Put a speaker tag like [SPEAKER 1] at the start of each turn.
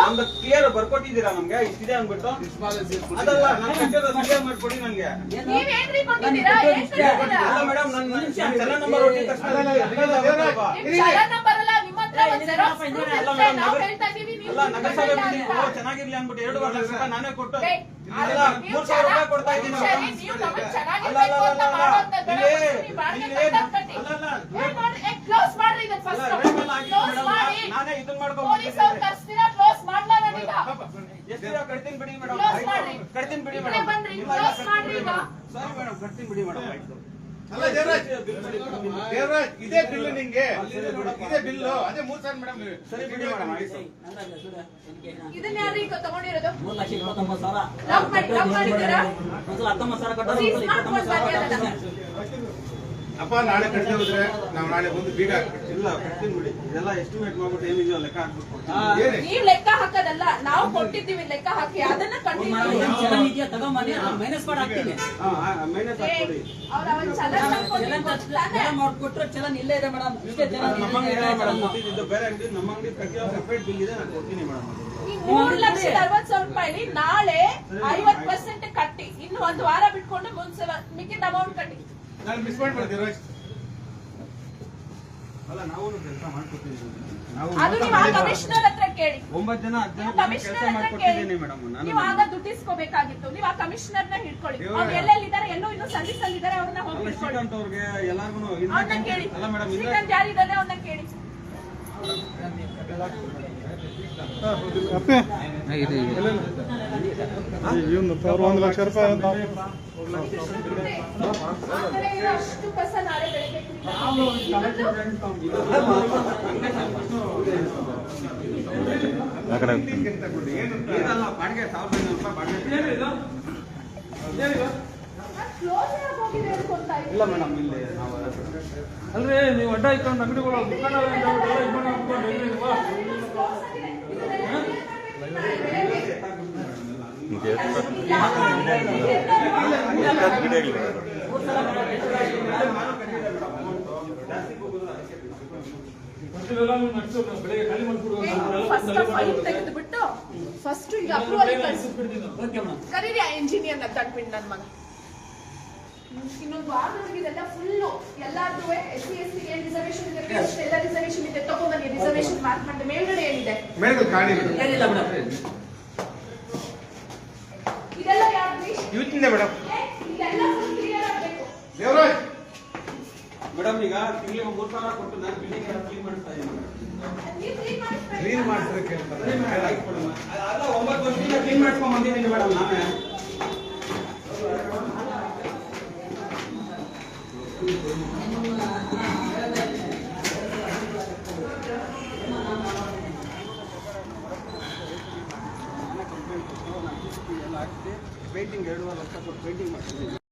[SPEAKER 1] ನಮ್ದು ಕ್ಲಿಯರ್ ಬರ್ಕೊಟ್ಟಿದ್ದೀರಾ ನಮ್ಗೆ ಇಷ್ಟಿದೆ ಅಂದ್ಬಿಟ್ಟು ಅದಲ್ಲ ನಾನು ಕ್ಲಿಯರ್ ಮಾಡ್ಕೊಡಿ ನನಗೆ
[SPEAKER 2] ನೀವೇನ್ರಿ ಕೊಟ್ಟಿದ್ದೀರಾ
[SPEAKER 1] ಅಲ್ಲ ಮೇಡಮ್ ನನ್ನ ಚಲ ನಂಬರ್ ಹೊಟ್ಟಿದ ತಕ್ಷಣ
[SPEAKER 2] ಚಲ ನಂಬರ್ ಅಲ್ಲ ನಿಮ್ಮ ಹತ್ರ ಒಂದು ಜೆರಾಕ್ಸ್ ನಾವು ಹೇಳ್ತಾ ಇದೀವಿ
[SPEAKER 1] ಅಲ್ಲ ನಗರಸಭೆ ಚೆನ್ನಾಗಿರ್ಲಿ ಅಂದ್ಬಿಟ್ಟು 2 ಲಕ್ಷ ರೂಪಾಯಿ ನಾನೇ ಕೊಟ್ಟು 3,000 ರೂಪಾಯಿ ಕೊಡ್ತಾ ಇದ್ದೀನಿ
[SPEAKER 2] ನೀವು ನಮಗೆ ಚೆನ್ನಾಗಿರ್ಬೇಕು ಅಂತ ಮಾಡೋಂತ ಕ್ಲೋಸ್ ಮಾಡ್ರಿ ಇದನ್ನ ಫಸ್ಟ್ ಕ್ಲೋಸ್ ಮಾಡಿ
[SPEAKER 1] ನಾನೇ ಇದನ್ನ ಮಾಡ್ಕೊಂಡು
[SPEAKER 2] ಪೊಲೀಸ್ ಅವರು ಕರ್ಸ್ತೀರಾ ಕ್ಲೋಸ್ ಮಾಡ್ಲಾ ನಾನೀಗ
[SPEAKER 1] ಎಷ್ಟು ಕಟ್ತೀನಿ ಬಿಡಿ ಮೇಡಮ್ ಕಟ್ತೀನಿ ಬಿಡಿ
[SPEAKER 2] ಮೇಡಮ್ ಬನ್ರಿ ಕ್ಲೋಸ್ ಮಾಡ್ರಿ ಈಗ
[SPEAKER 1] ಸರಿ ಮೇಡಮ್ ಕಟ್ತೀನಿ ಬಿಡಿ ಮೇಡಮ್ ಆಯ್ತು
[SPEAKER 3] ಅಲ್ಲ ದೇವರಾಜ್ ಇದೇ ಬಿಲ್ ನಿಂಗೆ ಇದೇ ಬಿಲ್ ಅದೇ 3,000 ಮೇಡಮ್
[SPEAKER 1] ಸರಿ ಬಿಡಿ ಮೇಡಮ್ ಆಯ್ತು
[SPEAKER 2] ಇದನ್ನ ಯಾರು ಈಗ ತಗೊಂಡಿರೋದು
[SPEAKER 4] 3,29,000
[SPEAKER 2] ಲಾಕ್ ಮಾಡಿದ್ದೀರಾ
[SPEAKER 4] ಒಂದ್ಸಲ 19,000 ಕಟ್ಟೋದು
[SPEAKER 2] ಸೀಸ್ ಮಾಡ್ಕೊಂಡು ಬನ್ನಿ ಅದನ್ನ
[SPEAKER 3] ಅಪ್ಪ ನಾಳೆ ಕಟ್ಟಿ ಹೋದ್ರೆ ನಾವು ನಾಳೆ ಬಂದು ಬೀಗ
[SPEAKER 1] ಇಲ್ಲ ಕಟ್ತೀನಿ ಬಿಡಿ ಇದೆಲ್ಲ ಎಸ್ಟಿಮೇಟ್ ಮಾಡ್ಬಿಟ್ಟು ಏನಿದೆಯೋ ಲೆಕ್ಕ ಹಾಕ್ಬಿಟ್ಟು
[SPEAKER 2] ನೀವ್ ಲೆಕ್ಕ ಹಾಕೋದಲ್ಲ ನಾವು ಕೊಟ್ಟಿದ್ದೀವಿ ಲೆಕ್ಕ ಹಾಕಿ ಅದನ್ನ
[SPEAKER 4] ಇದೆಯಾ ತಗೊಂಬನ್ನಿ ಮೈನಸ್ ಮಾಡಿ ಹಾಕ್ತೀನಿ
[SPEAKER 1] ಮೈನಸ್ ಹಾಕ್ಬಿಡಿ
[SPEAKER 2] ಅವ್ರ ಅವನ್ ಚಲನ್
[SPEAKER 4] ಮೇಡಮ್ ಅವ್ರು ಕೊಟ್ಟರೆ ಚಲನ್ ಇಲ್ಲೇ ಇದೆ ಮೇಡಮ್ ಇಷ್ಟೇ ಚಲನ್
[SPEAKER 1] ನಮ್ಮ ಅಂಗಡಿ ಮೇಡಮ್ ಕೊಟ್ಟಿದ್ದು ಬೇರೆ ಅಂಗಡಿ ನಮ್ಮ ಅಂಗಡಿ ಕಟ್ಟಿರೋ ಸೆಪರೇಟ್ ಬಿಲ್ ಇದೆ ನಾನು ಕೊಡ್ತೀನಿ ಮೇಡಮ್
[SPEAKER 2] 3,60,000 ರೂಪಾಯಿ ನಾಳೆ 50% ಕಟ್ಟಿ ಇನ್ನು ಒಂದು ವಾರ ಬಿಟ್ಕೊಂಡು ಮಿಕ್ಕಿದ ಅಮೌಂಟ್ ಕಟ್ಟಿ
[SPEAKER 3] ನಾನು ಮಿಸ್ ಮಾಡ್ಬಿಡ್ತೀವಿ
[SPEAKER 1] ಅಲ್ಲ ನಾವು ಕೆಲಸ ಮಾಡ್ಕೊಡ್ತೀವಿ
[SPEAKER 2] ಅದು ನೀವು ಆ ಕಮಿಷನರ್ ಹತ್ರ ಕೇಳಿ
[SPEAKER 1] 9 ಜನ 10 ಜನ ಕೆಲಸ ಮಾಡ್ಕೊಡ್ತಿದ್ದೀನಿ ಮೇಡಮ್ ನಾನು
[SPEAKER 2] ನೀವು ಆಗ ದುಡ್ಡಿಸ್ಕೋಬೇಕಾಗಿತ್ತು ನೀವು ಆ ಕಮಿಷನರ್ ನ ಹಿಡ್ಕೊಳ್ಳಿ ಅವ್ರು ಎಲ್ಲೆಲ್ಲಿದ್ದಾರೆ ಎಲ್ಲೋ ಇನ್ನೂ ಸರ್ವಿಸ್ ಅಲ್ಲಿ ಇದ್ದಾರೆ ಅವ್ರನ್ನ ಹೋಗಿ ಹಿಡ್ಕೊಳ್ಳಿ
[SPEAKER 1] ಶ್ರೀಕಾಂತ್ ಅವ್ರಿಗೆ ಎಲ್ಲಾರ್ಗು
[SPEAKER 2] ಅವ್ರನ್ನ ಕೇಳಿ
[SPEAKER 1] ಅಲ್ಲ ಮೇಡಮ್
[SPEAKER 2] ಶ್ರೀಕಾಂತ್ ಯಾರಿದ್ದಾರೆ ಅವ್ರನ್ನ ಕೇಳಿ
[SPEAKER 3] ₹1 ಲಕ್ಷ
[SPEAKER 2] ಅಷ್ಟು ಕಸ ನಾಳೆ ಬೆಳಗ್ಗೆ
[SPEAKER 1] ಏನಲ್ಲ ಬಾಡಿಗೆ 1,500 ರೂಪಾಯಿ ಬಾಡಿಗೆ
[SPEAKER 2] ಕ್ಲೋಸ್ ಆಗೋಗಿದೆ ಅನ್ಕೊಂತಾ
[SPEAKER 1] ಇಲ್ಲ ಮೇಡಮ್ ಇಲ್ಲಿ ನಾವು
[SPEAKER 5] ಅಲ್ರಿ ನೀವು ಅಡ್ಡ ಇಟ್ಕೊಂಡು ಅಂಗಡಿಗಳು ದುಕಾನ ಬೆಳಿಗ್ಗೆ ಖಾಲಿ
[SPEAKER 2] ಫಸ್ಟ್ ಫೈಲ್ ತೆಗೆದುಬಿಟ್ಟು ಫಸ್ಟ್ ಈಗ ಅಪ್ರೂವಲ್ ಕರೀರಿ ಆ ಇಂಜಿನಿಯರ್ ತಂದ್ಬಿಟ್ಟು ನನ್ನ ಮಗ ಇನ್ನೊಂದು ವಾರದೊಳಗೆ ಇದೆಲ್ಲ ಫುಲ್ಲು ಎಲ್ಲಾರ್ದು SC/ST ಏನ್ ರಿಸರ್ವೇಶನ್ ಇದೆ ಅಷ್ಟೆಲ್ಲ ರಿಸರ್ವೇಶನ್ ಇದೆ ತಗೊಂಡ್ಬನ್ನಿ ರಿಸರ್ವೇಶನ್ ಮಾರ್ಕ್ ಮಾಡಿ ಮೇಲ್ಗಡೆ ಏನಿದೆ
[SPEAKER 3] ಮೇಡಮ್ ಕಾಣಿ
[SPEAKER 4] ಏನಿಲ್ಲ ಮೇಡಮ್
[SPEAKER 2] ಇದೆಲ್ಲ ಯಾರ್ದು
[SPEAKER 3] ಇವತ್ತಿಂದ ಮೇಡಮ್
[SPEAKER 2] ಇದೆಲ್ಲ ಫುಲ್ ಕ್ಲಿಯರ್ ಆಗಬೇಕು
[SPEAKER 3] ದೇವರಾಜ್
[SPEAKER 1] ಮೇಡಮ್ ಈಗ ತಿಂಗಳಿಗೆ 3,000 ಕೊಟ್ಟು ನಾನು ಬಿಲ್ಡಿಂಗ್ ಎಲ್ಲ ಕ್ಲೀನ್ ಮಾಡ್ತಾ ಇದ್ದೀನಿ
[SPEAKER 3] ಕ್ಲೀನ್ ಮಾಡ್ತಾರೆ ಕೇಳ್ತಾರೆ
[SPEAKER 1] ಅಲ್ಲ 9 ವರ್ಷದಿಂದ ಕ್ಲೀನ್ ಮಾಡ್ಕೊಂಡ್ ಬಂದಿದ್ದೀನಿ ಮೇಡಮ್ ನಾನೇ ಪೇಂಟಿಂಗ್ 2,5 ಲಕ್ಷ ಕೊಟ್ಟು ಪೇಂಟಿಂಗ್ ಮಾಡ್ತಿದ್ದೀನಿ